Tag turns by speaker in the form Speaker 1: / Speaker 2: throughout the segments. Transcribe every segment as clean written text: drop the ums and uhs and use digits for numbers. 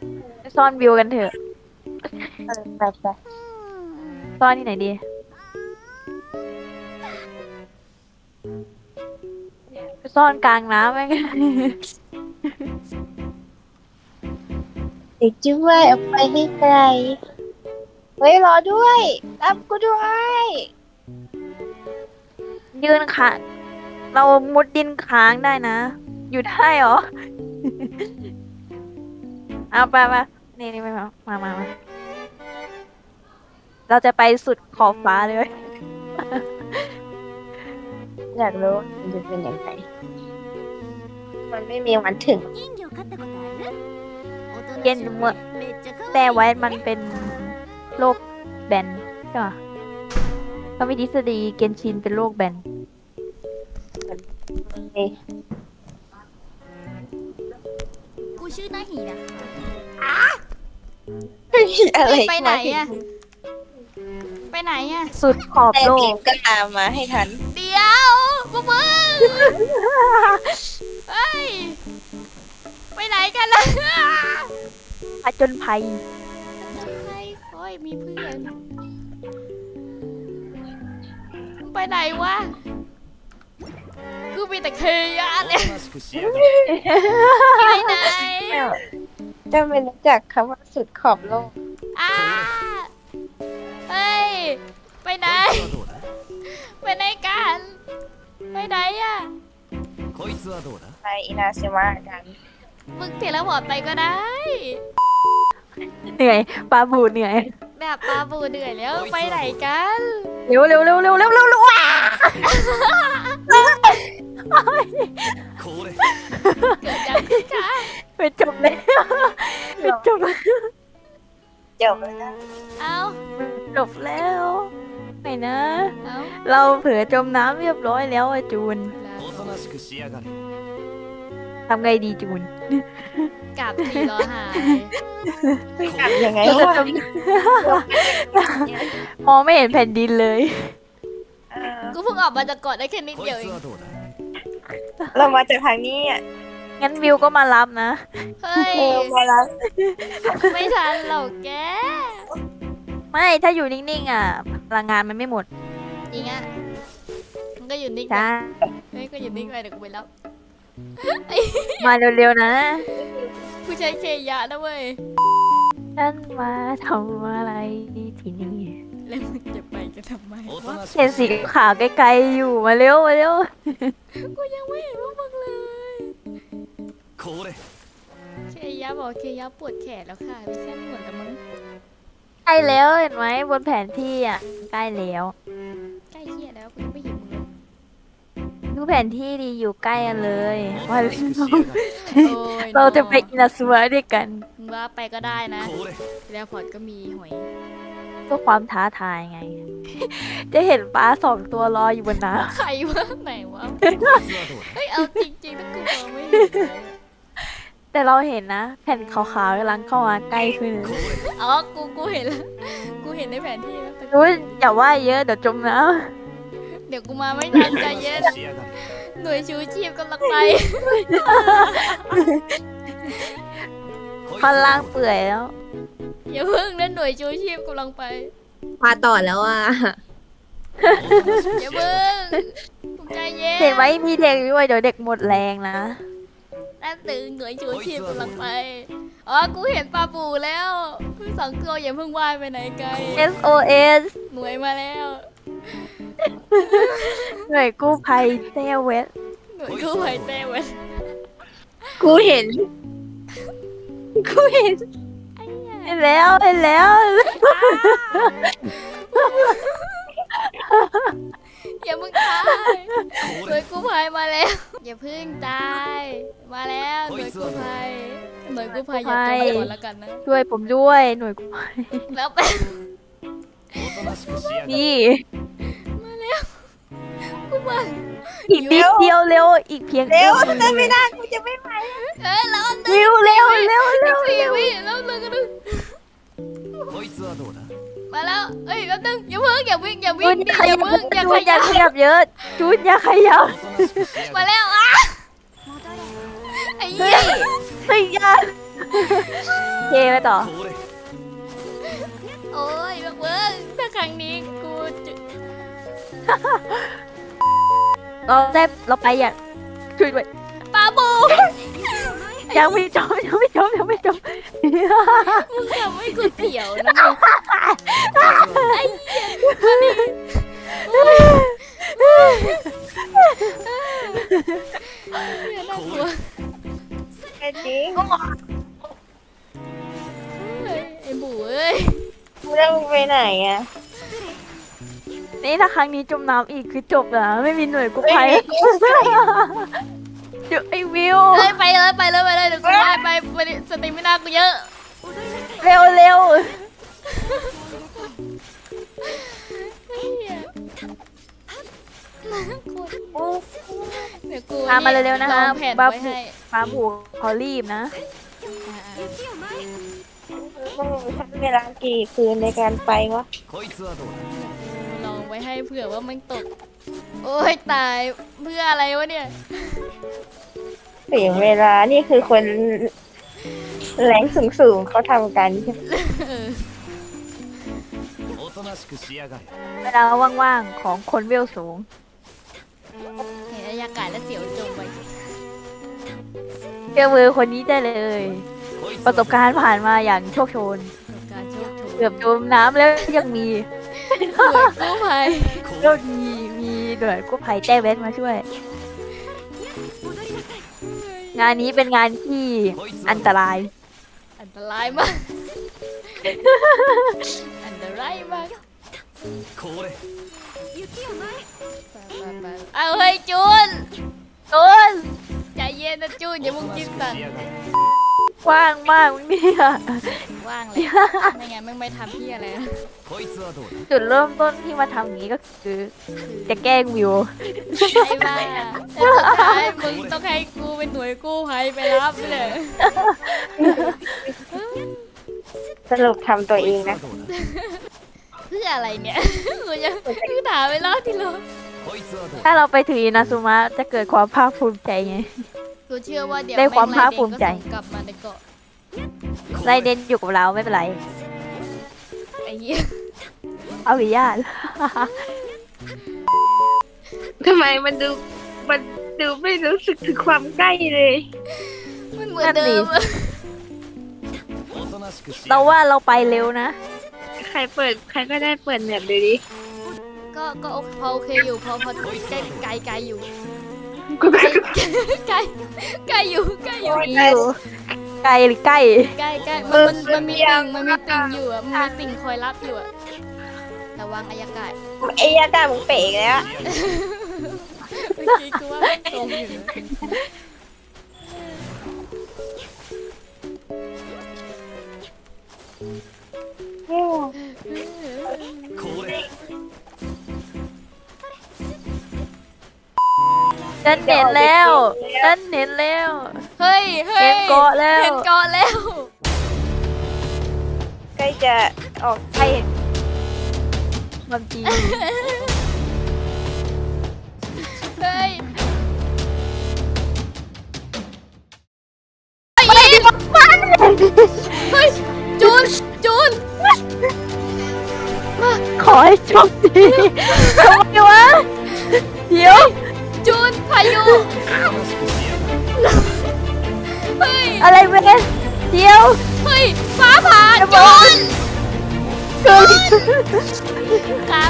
Speaker 1: ไปซ่อนวิวกันเถอะ
Speaker 2: ไปไป
Speaker 1: ซ่อนที่ไหนดีไปซ่อนกลางน้ำไหม
Speaker 2: เด็กช่วยเอาไปให้ไกลเฮ้ยรอด้วยรับกูด้วย
Speaker 1: ยืนขาเรามุดดินค้างได้นะ อยู่ได้เหรอ เอาไปนี่ไปมาเราจะไปสุดขอบฟ้าเลย
Speaker 2: อยากรู้มันจะเป็นยังไงมันไม่มีวันถึง
Speaker 1: เย็นเมื่อแต่ไว้มันเป็นโรคแบนใช่ปะเขามีทฤษฎีเกนชินเป็นโรคแบน
Speaker 2: เอ๊ะ
Speaker 3: กูชื่อนาหีนะ
Speaker 2: อะไร
Speaker 3: ไปไหนอะไปไหนอะ
Speaker 1: สุดขอบ
Speaker 2: แต่
Speaker 1: โล
Speaker 2: เก
Speaker 1: ก
Speaker 2: มก็ตามมาให้ทัน
Speaker 3: เดี๋ยวพวกมึงเฮ้ยไปไหนกันล่ะ
Speaker 1: ผจญภัย
Speaker 3: ใครโอ้ยมีเพื่อนมึงไปไหนวะกูมีแต่เคยะเนี่ยไปไหน
Speaker 2: จะไม่รู้จักคำว่าสุดขอบโลก
Speaker 3: อ้าเฮ้ยไปไหนไปไหนกันไปไหนอะ
Speaker 2: ไปอินาซิมะกัน
Speaker 3: มึงเทเลพอร์ตไปก็ได้
Speaker 1: เหนื่อยปลาบูเหนื่อย
Speaker 3: แบบปลาบูเหนื่อยแล้วไปไหนกัน
Speaker 1: เร็วว้า
Speaker 3: เกิดยังขึ้นคะ
Speaker 1: ไปจบแล้วไปจบแล้ว
Speaker 2: จบแล้วนะ
Speaker 3: เอา
Speaker 1: จบแล้วไม่นะ
Speaker 3: เอา
Speaker 1: เราเผื่อจมน้ำเรียบร้อยแล้วอะจูนทำไงดีจูน
Speaker 3: กลับทีรอหาย
Speaker 2: กลับยังไง
Speaker 1: เราจะ
Speaker 2: วะ
Speaker 1: จม มองไม่เห็นแผ่นดินเลย
Speaker 2: เออ
Speaker 3: กูเพิ่งออกมาจากเกาะได้แค่นิดเดียวเอง
Speaker 2: เรามาจากทางนี้อ่ะ
Speaker 1: งั้นวิวก็มารับนะ
Speaker 3: เฮ้ย
Speaker 2: มาแล้ว
Speaker 3: ไม่ทันหรอกแก
Speaker 1: ไม่ถ้าอยู่นิ่งๆอ่ะพลังงานมันไม่หมด
Speaker 3: จริงอ่ะมันก็อยู่นิ่ง
Speaker 1: ใช่
Speaker 3: เฮ้ยก็อยู่นิ่งไปเดี๋ยวกูไปรับ
Speaker 1: มาเร็วๆนะ
Speaker 3: กูใช้เคยะนะเว้ย
Speaker 1: ฉันมาทำอะไรที่นี่
Speaker 3: แล้วมึงจะไปกันทำไมวะ
Speaker 1: เห็นสีขาวไกลๆอยู่มาเร็ว
Speaker 3: กูยังไม่เห็นว่ามึงเลยเคยะบอกเคยะปวดแขนแล้วค่ะไม่ใช่เหมือนกับมึง
Speaker 1: ใกล้แล้วเห็นไหมบนแผนที่อ่ะใกล้แล้ว
Speaker 3: ใกล้เหี้ยแล้วกูยังไม่เห็นมึงเลย
Speaker 1: ดูแผนที่ดีอยู่ใกล้กันเลยว่า
Speaker 3: โอ้ย
Speaker 1: เราจะไปอินาซุมะด้วยกัน
Speaker 3: มึงว่าไปก็ได้นะแล้วพอร์ตก็มีหอย
Speaker 1: เพื่อความท้าทายไง จะเห็นปลา2 ตัวรออยู่บนน้
Speaker 3: ใครวะไหนวะเฮ้ยเอาจริงๆถ้ากูมองไม่เห็นเลย
Speaker 1: ำแต่เราเห็นนะ แผ่นขาวๆกำลังเข้ามาใกล้ขึ้น
Speaker 3: อ๋อกูเห็นแล้วกูเห็นในแผนที่แล้วแต่
Speaker 1: รู้อย่าว่าเยอะเดี๋ยวจมน้
Speaker 3: เดี๋ยวกูมาไม่ทันใจเย็นหน่วยชูชีพกำลังไป
Speaker 1: ำท่อนล่างเปื่อยแล้ว
Speaker 3: อย่าเพิ่งนะหน่วยชูชีพกำลังไป
Speaker 2: มาต่อแล้วอ่ะ
Speaker 3: อย่าเพิ่งใจเย็น
Speaker 1: เห็นไหมมีเด็กด้วยเดี๋ยวเด็กหมดแรงนะ
Speaker 3: นั่นตึงหน่วยชูชีพกำลังไปอ๋อกูเห็นปลาบูแล้ว2 ตัวอย่าเพิ่งว่ายไปไหนไกล
Speaker 1: SOS
Speaker 3: หน่วยมาแล้ว
Speaker 1: หน่วยกู้ภัยเซเวส
Speaker 3: หน่วยกู้ภัยเต้เว้ย
Speaker 2: กูเห็น
Speaker 3: ไอ้เหี้ย
Speaker 1: เห็นแล้ว
Speaker 3: อย่ามึงตายหน่วยกู้ภัยมาแล้ว อย่าเพึ่งตายมาแล้วหน่วยกู้ภัยอย่าจมไปก่อนแล้วกันนะ
Speaker 1: ช่วยผมด้วยหน่วยกู้ภัย
Speaker 3: แล้วไป
Speaker 1: นี่
Speaker 3: มาแล้วกูมา
Speaker 1: อีกนิดเดียวเร็วอีกเพียง
Speaker 2: เร็ว
Speaker 1: อื้อ
Speaker 2: จะไม่ได้กูจะไม่ไหว
Speaker 3: แล้วอัน
Speaker 1: เร็ว
Speaker 3: สี่วิแล้วเลยก็นึงมาแล้วเอ้ยแป๊บนึงอย่าเพิ่งอย่าวิ่ง
Speaker 1: จูน
Speaker 3: ดิ
Speaker 1: ข
Speaker 3: อย่า
Speaker 1: ยับ
Speaker 3: เพิ่งอย่า
Speaker 1: จู
Speaker 3: ข
Speaker 1: นอย่า
Speaker 3: ยับ
Speaker 1: ขยับเยอะจูนอย่าขยับ
Speaker 3: มาแล้วอ่ะไอ้
Speaker 1: เฮ้
Speaker 3: เหี้
Speaker 1: ย
Speaker 3: ย
Speaker 1: เฮ้ยอย่าเคไปต่อ
Speaker 3: โอ้ยเบิ้งถ้าครั้งนี้กูจะ
Speaker 1: เราไปอย่างช่วยด้วย
Speaker 3: ปาบู
Speaker 1: ยังไม่จบยังไม่จบยังไม่จบ
Speaker 3: มึงทำให้กูเสียวนะมึงไอ้เหี้ยมาดิโอ้ยน่ากลัว
Speaker 2: จริง
Speaker 3: ไอ้บูเอ้ย
Speaker 2: มึงจะไปไหนอ่ะ
Speaker 1: นี่ถ้าครั้งนี้จมน้ำอีกคือจบนะไม่มีหน่วยกู้ภัยเดี๋ยวไอ้วิว
Speaker 3: เอ้ยไปเลยไปเลยไปเลยเดี๋ยวกูได้ไปดิสติไม่น่ากูเยอะ
Speaker 1: เร็วเร็ว
Speaker 3: ไอ้เหี้ยเดี๋ยวกู
Speaker 1: มาเร็วๆนะคะ
Speaker 3: ลองแผ่น
Speaker 1: บ้า
Speaker 3: ไว้
Speaker 1: ผู
Speaker 3: ให้
Speaker 1: บ้าผูเขารีบนะ
Speaker 3: อ่า
Speaker 2: มึงใช้เวลากี่คืนในการไปวะ
Speaker 3: ๆกูลองไว้ให้เผื่อว่ามันตก โอ้ยตายเพื่ออะไรวะเนี่ย
Speaker 2: ถึงเวลานี่คือคนแรงสูงๆเขาทำกันใช่ไหม
Speaker 3: เออ
Speaker 1: เวลาว่างๆของคนเวลสูง
Speaker 3: เห็นบรรยากาศแล้วเสียวจมไป
Speaker 1: เชื่อมือคนนี้ได้เลย ประสบการณ์ผ่านมาอย่างโชคโชน
Speaker 3: การโชคโชน
Speaker 1: เกือบจมน้ำแล้วยังมี
Speaker 3: หน่วยกู้ภัย
Speaker 1: ก็มีหน่วยกู้ภัยแจ้แว้นมาช่วย งานนี้เป็นงานที่อันตราย
Speaker 3: อันตรายมาก อันตรายมากไปเอาเฮ้ยจูน
Speaker 1: ตูน
Speaker 3: ใจเย็นนะจูนอย่ามึงกินสัน
Speaker 1: กว้างมากเนี่ย
Speaker 3: ว่างเลยไม่งั้นมึงไม่ทำที่อะไรนะ
Speaker 1: จุดเริ่มต้นที่มาทำอย่างนี้ก็คือ จะแกล้งวิว
Speaker 3: ไอ้บ้าแต่สุดท้ายมึงต้องให้กูเป็นหน่วยกู้ภัยไปรับเลย
Speaker 2: สรุปทำตัวเองนะ
Speaker 3: เพื่ออะไรเนี่ยกูถามไปรอบที่แล้ว
Speaker 1: ถ้าเราไปถึงอินาซุมะจะเกิดความภาคภูมิใจไง
Speaker 3: กูเชื่อว่าเดี๋ยว
Speaker 1: ได้ความภาคภูมิใจ
Speaker 3: แงไล่เด็กก็ส่งกลับมาในเกาะ
Speaker 1: ไรเดนอยู่กับเราไม่เป็นไร
Speaker 3: ไอ้เหี้ย
Speaker 1: เอาหรือญาติ
Speaker 2: ทำไมมันดูไม่รู้สึกถึงความใกล้เลย
Speaker 3: มันเหมือนเดิมอะ
Speaker 1: เราว่าเราไปเร็วนะ
Speaker 2: ใครก็ได้เปิดเน็ตดูดิ
Speaker 3: ก็พอโอเคอยู่พอไกลอยู่
Speaker 2: กูก็
Speaker 3: ไกลอยู่
Speaker 1: มีอยู่ไกลหรือใกล้
Speaker 3: ใกล้มันมีติ่งอยู่อ่ะมันมีติ่งคอยรับอยู่อ่ะระวังอายากาศ
Speaker 2: ไอ้ยาตามึงเป๋อีกแล้ว
Speaker 3: เมื่อกี้กูว่ามันตรงอยู่นะ
Speaker 1: ฉันเห็นแล้วฉันเห็นแล้ว
Speaker 3: เฮ้ย
Speaker 1: เห็นเกาะแล้ว
Speaker 3: เห็นเกาะแล้ว
Speaker 2: ใกล้จะออก
Speaker 1: ใครเห็นความจริง
Speaker 3: เฮ้ยเฮ้ยจูน
Speaker 1: ขอให้โชคดีทำไมวะเดี๋ยว
Speaker 3: จูนพายุเฮ้ย
Speaker 1: อะไรเว้ยเดี๋ยว
Speaker 3: เฮ้ยฟ้าผ่าจูน
Speaker 1: เกิด
Speaker 3: ครับ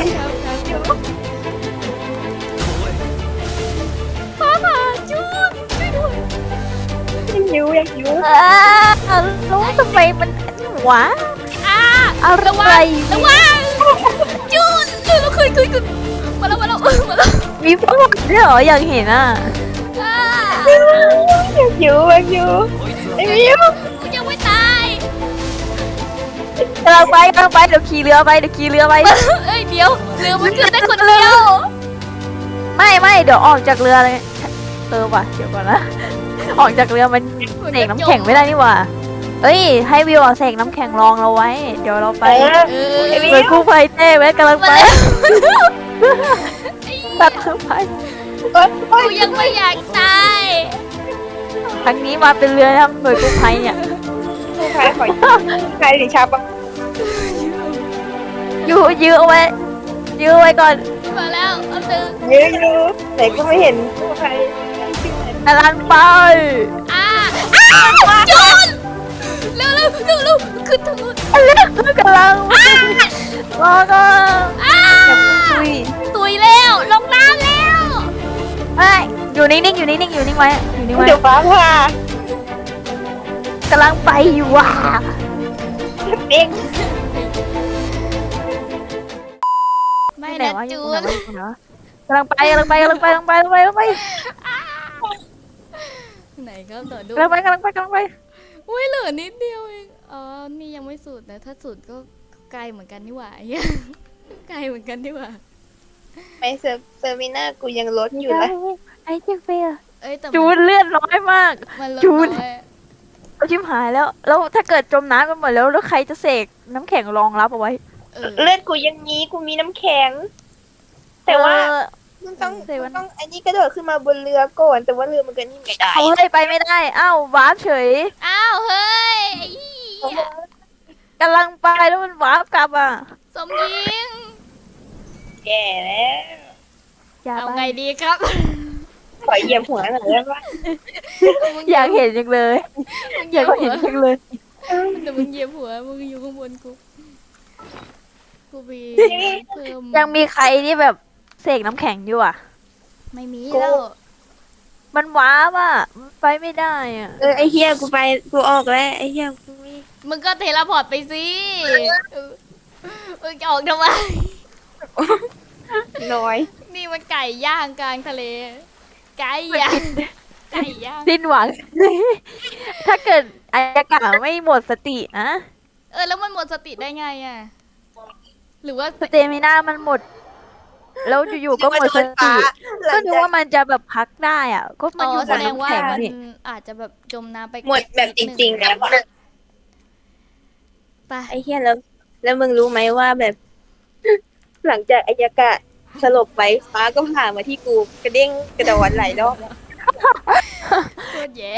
Speaker 3: ฟ้าผ่าจูนช่วยด้วย
Speaker 2: ยังหิว
Speaker 1: รู้ทำไมมันหวะ อะไร
Speaker 3: ระวังจูนเราคุยมาแล้ว
Speaker 1: มีพวกด้วยเหรออยากเห็นอ่ะ
Speaker 2: ยังหิวไอ้มิว
Speaker 3: กูยังไม่ตาย
Speaker 1: กำลังไปเดี๋ยวขี่เรือไป
Speaker 3: เอ้ยเดี๋ยวเรือมันขึ้นได้คนเดียว
Speaker 1: ไม่เดี๋ยวออกจากเรือเลยว่ะเดี๋ยวก่อนนะ ออกจากเรือมันเสกน้ำแข็งไม่ได้นี่หว่าเอ้ยให้วิวเสกน้ำแข็งรองเราไว้ เดี๋ยวเราไป
Speaker 3: เออ
Speaker 1: โดยกู้ภัยเต้ไว้กำลังไปตัดไป
Speaker 3: กูยังไม่อยากตาย
Speaker 1: ครั้งนี้มาเป็นเรือทำหน่วยกู้ภัยเนี่ย
Speaker 2: ผู้พายขอใครถึงชาปะ
Speaker 1: ยื้อเอาไว้ยื้อเอาไว้ก่อน
Speaker 3: มาแล้วเอาตึง
Speaker 2: ยืนไหนก็ไม่เห็นใครชื่ออะไร
Speaker 1: กำลังไป
Speaker 3: อ่าจูนเร็วขึ้นทางนู้น
Speaker 1: กำลังรอก่อน
Speaker 2: คุย
Speaker 3: ตุยแล้วลงน้ำแล้ว
Speaker 1: ไม่อยู่นิ่งๆอยู่นิ่งๆอยู่นิ่งไว้อยู่นิ่งไว้
Speaker 2: เดี๋ยวฟ้าผ่าก
Speaker 1: ำลังไปอยู่ว่ะ
Speaker 2: เด็ก
Speaker 3: ไม่
Speaker 1: ไหน
Speaker 3: นะ
Speaker 1: วะ
Speaker 3: จู
Speaker 1: อยู่
Speaker 3: น
Speaker 1: ไหนวะอยู่ไหนวะกำลังไปไหนครับต่อดูกำลังไป
Speaker 3: อุ้ยเหลือนิดเดียวเองอ๋อนี่ยังไม่สุดนะถ้าสุดก็ไกลเหมือนกันนี่หว่าไอ้เหี้ยไกลเหมือนกันนี่หว่า
Speaker 2: ไม่เซอร์มิน่ากูยังลดอยู่เลย
Speaker 1: ไอ้เจ๊เฟีย
Speaker 3: เอ้ยแต่
Speaker 1: จูนเลือดน้อยมาก
Speaker 3: มันลด
Speaker 1: จูน
Speaker 3: น้อย
Speaker 1: เอาชิมหายแล้วถ้าเกิดจมน้ำกันหมดแล้วใครจะเสกน้ำแข็งรองรับเอาไว้
Speaker 2: เลือดกูยังนี้กูมีน้ำแข็ง แต่ว่า
Speaker 1: เออ
Speaker 2: มึงต้อง
Speaker 1: เซเว่น
Speaker 2: อันนี้กระโดดขึ้นมาบนเรือก่อนแต่ว่าเรือมันก็นี่ไม่ได้
Speaker 1: เอาให้ไปไม่ได้อ้าววาร์ปเฉย
Speaker 3: อ้าวเฮ้ยไอ้เหี้ย
Speaker 1: กำลังไปแล้วมันวาร์ปกลับอ่ะ
Speaker 3: สมยิง
Speaker 2: แก่แล้ว
Speaker 1: อย่า
Speaker 3: เอา
Speaker 1: ไป
Speaker 3: ไงดีครับ
Speaker 2: ขอเหยียบหัวหน่อยได้ปะ
Speaker 1: อยากเห็นจังเลย
Speaker 3: มึงเห
Speaker 1: อ
Speaker 3: ยี
Speaker 1: ยาย ก
Speaker 3: บหั
Speaker 1: เห็น
Speaker 3: ว
Speaker 1: จังเลย
Speaker 3: แต่มึงเหยียบหัวมึงอยู่ข้างบนกูมีเพิ่ม
Speaker 1: ยังมีใครที่แบบเสกน้ำแข็งอยู่อ่ะ
Speaker 3: ไม่มีแล้ว
Speaker 1: มันว้าบอ่ะมันไปไม่ได้อ่ะ
Speaker 2: ไอเฮียกูออกแล้วไอเฮียกูไม่
Speaker 3: มึงก็เทเลพอร์ตไปสิมึงจะออกทำไม
Speaker 2: น้อย
Speaker 3: นี่มันไก่ย่างกลางทะเล ไก่ย่าง ไก่ย่าง
Speaker 1: สิ้นหวัง ถ้าเกิดอากาศไม่หมดสตินะ
Speaker 3: แล้วมันหมดสติได้ไงอ่ะ หรือว่า
Speaker 1: สเตมิน่ามันหมด แล้วอยู่ๆก็หมดสติ ก็นึกว่ามันจะแบบพักได้อ่ะ ก็มันอยู่บ
Speaker 3: แส
Speaker 1: น
Speaker 3: ดงว่า
Speaker 1: น้ำแข็ง
Speaker 3: มัน
Speaker 1: นี่
Speaker 3: อาจจะแบบจมน้ำไป
Speaker 2: หมดแบบจริงๆแล้ว
Speaker 3: ไป
Speaker 2: ไอเฮียแล้วมึงรู้ไหมว่าแบบ หลังจากอายากะสลบไปฟ้าก็ผ่ามาที่กูกระเด้งกระโดดหลายรอบ
Speaker 3: โคตรแย่